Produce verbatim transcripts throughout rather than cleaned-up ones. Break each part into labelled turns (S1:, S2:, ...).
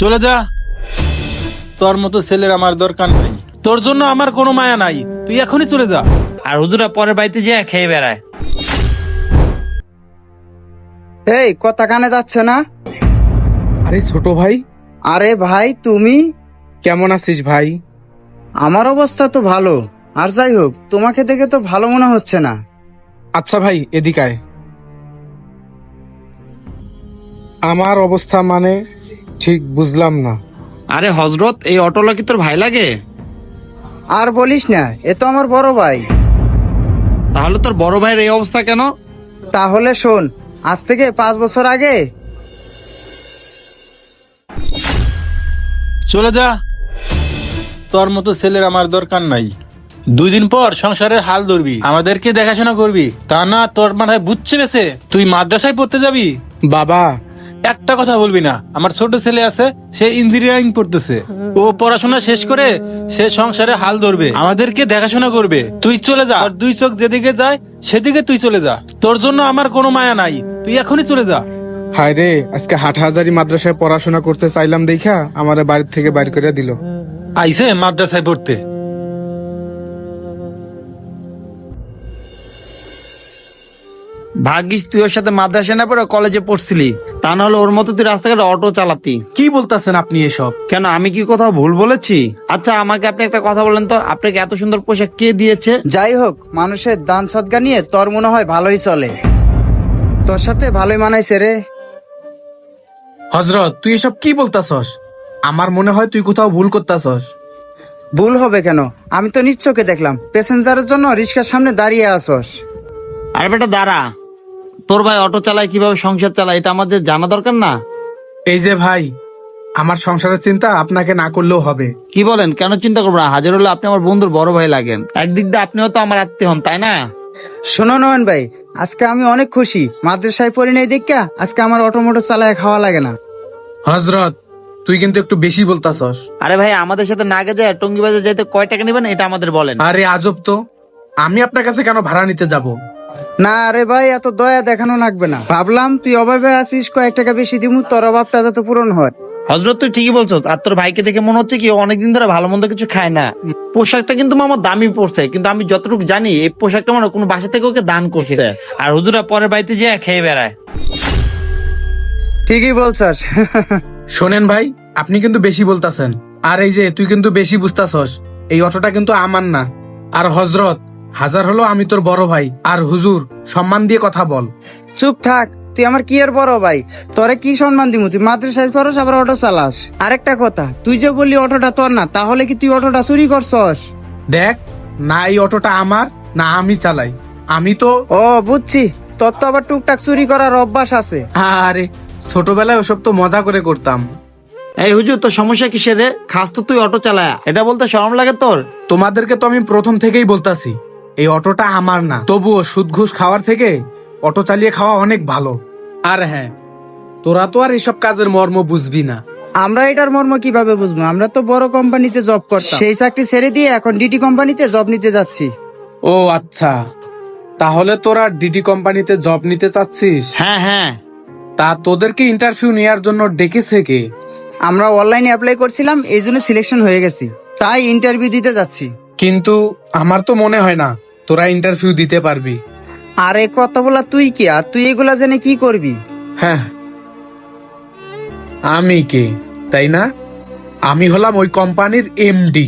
S1: চলে যা। তোর মতো ছেলের আমার দরকার নাই, তোর জন্য আমার কোনো মায়া নাই, তুই এখনই চলে যা।
S2: আর হুজুরা পরের বাড়িতে যেয়ে খেয়ে বেড়ায়।
S3: এই কথা কানে যাচ্ছে না?
S4: আরে ছোট ভাই,
S3: আরে ভাই তুমি,
S4: কেমন আছিস ভাই?
S3: আমার অবস্থা তো ভালো। আর যাই হোক, তোমাকে দেখে তো ভালো মনে হচ্ছে না।
S4: আচ্ছা ভাই, এদিকে আয়। আমার অবস্থা মানে ঠিক বুঝলাম না।
S2: আরে হজরত, এই অটোলা কি তোর ভাই লাগে?
S3: আর বলিস না, এ তো আমার বড় ভাই।
S2: তাহলে তোর বড় ভাইয়ের এই অবস্থা কেন?
S3: তাহলে শোন, আজ থেকে পাঁচ বছর আগে
S1: চলে যা। তোর মতো ছেলের আমার দরকার নাই। দুই দিন পর সংসারের হাল ধরবি, আমাদেরকে দেখাশোনা করবি, তা না তোর মাথায় বুঝছে বেছে তুই মাদ্রাসায় পড়তে যাবি।
S4: বাবা,
S1: একটা কথা বলবি না। আমার ছোট ছেলে আছে, সে ইঞ্জিনিয়ারিং পড়তেছে, ও পড়াশোনা শেষ করে সে সংসারে হাল ধরবে, আমাদেরকে দেখাশোনা করবে। তুই চলে যা, আর দুই চোখ যেদিকে যায় সেদিকে তুই চলে যা। তোর জন্য আমার কোনো মায়া নাই, তুই এখনই চলে যা।
S4: হায় রে, আজকে হাটহাজারি মাদ্রাসায় পড়াশোনা করতে চাইলাম দেখা আমার বাড়ির থেকে বাইর করে দিল।
S1: আইসে মাদ্রাসায় পড়তে।
S2: ভাগ্যিস তুই ওর সাথে মাদ্রাসা না পড়ে কলেজে পড়ছিলি, তা নাহলে ওর মতো তুই রাস্তাঘাটে অটো চালাতি।
S4: কি বলতেছেন আপনি এসব?
S2: কেন, আমি কি কোথাও ভুল বলেছি? আচ্ছা আমাকে আপনি একটা কথা বলেন তো, আপনাকে এত সুন্দর পোশাক কে দিয়েছে?
S3: যাই হোক, মানুষের দান সদ্গা নিয়ে তোর মনে হয় ভালোই চলে। তোর সাথে ভালোই মানাইছে রে।
S4: হজরত, তুই এসব কি বলতাছস? আমার মনে হয় তুই কোথাও ভুল করতাছস।
S3: ভুল হবে কেন? আমি তো নিশ্চয়কে দেখলাম প্যাসেঞ্জারের জন্য রিক্সার সামনে দাঁড়িয়ে আসস।
S2: আরে বেটা দাঁড়া, তোর ভাই অটো চালায়, কিভাবে সংসার চালায় এটা আমাদের জানা দরকার না?
S4: এই যে ভাই, আমার সংসারের চিন্তা আপনাকে না করলেও হবে।
S2: কি বলেন? কেন চিন্তা করবো না? হাজার হলে আপনি আমার বন্ধুর বড় ভাই লাগেন, একদিক দিয়ে আপনিও তো আমার আত্মীয় হন, তাই না?
S3: শোনো নয়ন ভাই, আজকে আমি অনেক খুশি। মাদ্রাসায় পড়ি নাই দেখা আজকে আমার অটোমোটো চালায় খাওয়া লাগে না।
S4: হজরত, তুই কিন্তু একটু বেশি বলতাছস।
S2: আরে ভাই, আমাদের সাথে নাগে যায় টঙ্গি বাজার যাইতে কয় টাকা নেবেন এটা আমাদের বলেন।
S4: আরে আজব তো, আমি আপনার কাছে কেন ভাড়া নিতে যাব?
S3: না আরে ভাই, এত দয়া দেখানো লাগবে না। ভাবলাম তুই অভাবে আছিস, কয়েক টাকা বেশি দিমু, তোর অভাবটা যাতে পূরণ হয়।
S2: হজরত তুই ঠিকই বলছো। আর তোর ভাইকে দেখে মনে হচ্ছে কি ও অনেকদিন ধরে ভালো মন্দ কিছু খায় না। পোশাকটা কিন্তু আমার দামি পড়ছে, কিন্তু আমি যতটুকু জানি এই পোশাকটা মানে কোনো বাসা থেকে ওকে দান করছে। আর হুজুরা পরের বাড়িতে যেয়ে খেয়ে বেড়ায়।
S3: ঠিকই বলছস।
S4: শোনেন ভাই, আপনি কিন্তু বেশি বলতাছেন। আর এই যে তুই কিন্তু বেশি বুঝতাছস, এই অটোটা কিন্তু আমার না। আর হজরত, হাজার হলো আমি তোর বড় ভাই, আর হুজুর সম্মান দিয়ে কথা বল।
S3: চুপ থাক, তুই আমার কি আর বড় ভাই, তোরে কি সম্মান দিমু? তুই মাদ্রাসায় পড়স আবার অটো চালাস। আরেকটা কথা, তুই যে বললি অটোটা তোর না, তাহলে কি তুই অটোটা চুরি করছস?
S4: দেখ, না এই অটোটা আমার, না আমি চালাই। আমি তো
S3: ও বুঝছি, তোর তো আবার টুকটাক চুরি করার অভ্যাস আছে।
S4: আরে ছোটবেলায় ওসব তো মজা করে করতাম।
S2: এই হুজুর, তোর সমস্যা কিসের রে? খাস তো তুই অটো চালায়, এটা বলতে শরম লাগে তোর?
S4: তোমাদেরকে তো আমি প্রথম থেকেই বলতাছি এই অটোটা আমার না। তবুও সুদ ঘুষ খাওয়ার থেকে অটো চালিয়ে খাওয়া অনেক ভালো। আর হ্যাঁ, তোরা তো আর এসব কাজের মর্ম বুঝবি না।
S3: আমরা এটার মর্ম কিভাবে বুঝবো? আমরা তো বড় কোম্পানিতে জব করতাম, সেই চাকরি ছেড়ে দিয়ে এখন ডিটি কোম্পানিতে জব নিতে যাচ্ছি।
S4: ও আচ্ছা, তাহলে তোরা ডিটি কোম্পানিতে জব নিতে চাচ্ছিস?
S2: হ্যাঁ হ্যাঁ।
S4: তা তোদেরকে ইন্টারভিউ নেওয়ার জন্য ডেকেছে কে?
S3: আমরা অনলাইনে অ্যাপ্লাই করছিলাম, এই জন্য সিলেকশন হয়ে গেছি, তাই ইন্টারভিউ দিতে যাচ্ছি।
S4: কিন্তু আমার তো মনে হয় না তোরা ইন্টারভিউ দিতে পারবি।
S3: আরে কথা বলা তুই কি, আর তুই এগুলা জেনে কি করবি?
S4: হ্যাঁ, আমি কে তাই না? আমি হলাম ওই কোম্পানির এমডি।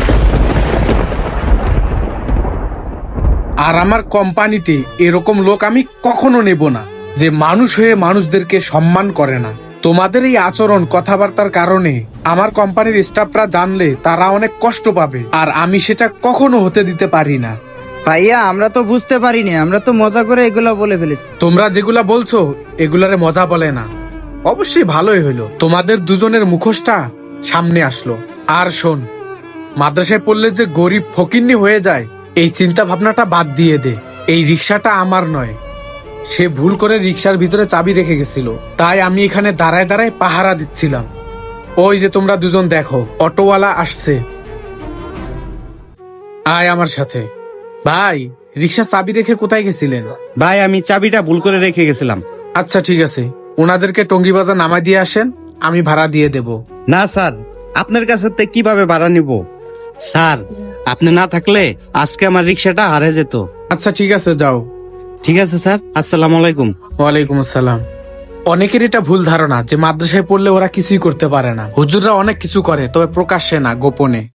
S4: আর আমার কোম্পানিতে এরকম লোক আমি কখনো নেব না যে মানুষ হয়ে মানুষদেরকে সম্মান করে না। তোমাদের এই আচরণ কথাবার্তার কারণে আমার কোম্পানির স্টাফরা জানলে তারা অনেক কষ্ট পাবে, আর আমি সেটা কখনো হতে দিতে পারি না।
S3: ভাইয়া, আমরা তো বুঝতে পারিনি, আমরা তো মজা করে এগুলা বলে ফেলেছি।
S4: তোমরা যেগুলা বলছো এগুলারে মজা বলে না। অবশ্যই ভালোই হইলো তোমাদের দুজনের মুখোশটা সামনে আসলো। আর শোন, মাদ্রাসায় পড়লে যে গরিব ফকিন্নি হয়ে যায় এই চিন্তা ভাবনাটা বাদ দিয়ে দে। এই রিক্সাটা আমার নয়, সে ভুল করে রিক্সার ভিতরে চাবি রেখে গেছিল, তাই আমি এখানে দাঁড়ায় দাঁড়ায় পাহারা দিচ্ছিলাম। ওই যে তোমরা দুজন দেখো, অটোওয়ালা আসছে। আয় আমার সাথে। ভাই, রিক্সা চাবি রেখে কোথায় গেছিলেন?
S5: ভাই, আমি চাবিটা ভুল করে রেখে গেছিলাম।
S4: আচ্ছা ঠিক আছে, ওনাদেরকে টঙ্গি বাজার নামায় দিয়ে আসেন, আমি ভাড়া দিয়ে দেব।
S5: না স্যার, আপনার কাছে তে কিভাবে ভাড়া নিব? স্যার, আপনি না থাকলে আজকে আমার রিক্সাটা হারিয়ে যেত।
S4: আচ্ছা ঠিক আছে, যাও।
S5: ঠিক আছে স্যার, আসসালামু আলাইকুম।
S4: ওয়ালাইকুম আসসালাম। অনেকের এটা ভুল ধারণা যে মাদ্রাসায় পড়লে ওরা কিছুই করতে পারে না। হুজুররা অনেক কিছু করে, তবে প্রকাশ্যে না, গোপনে।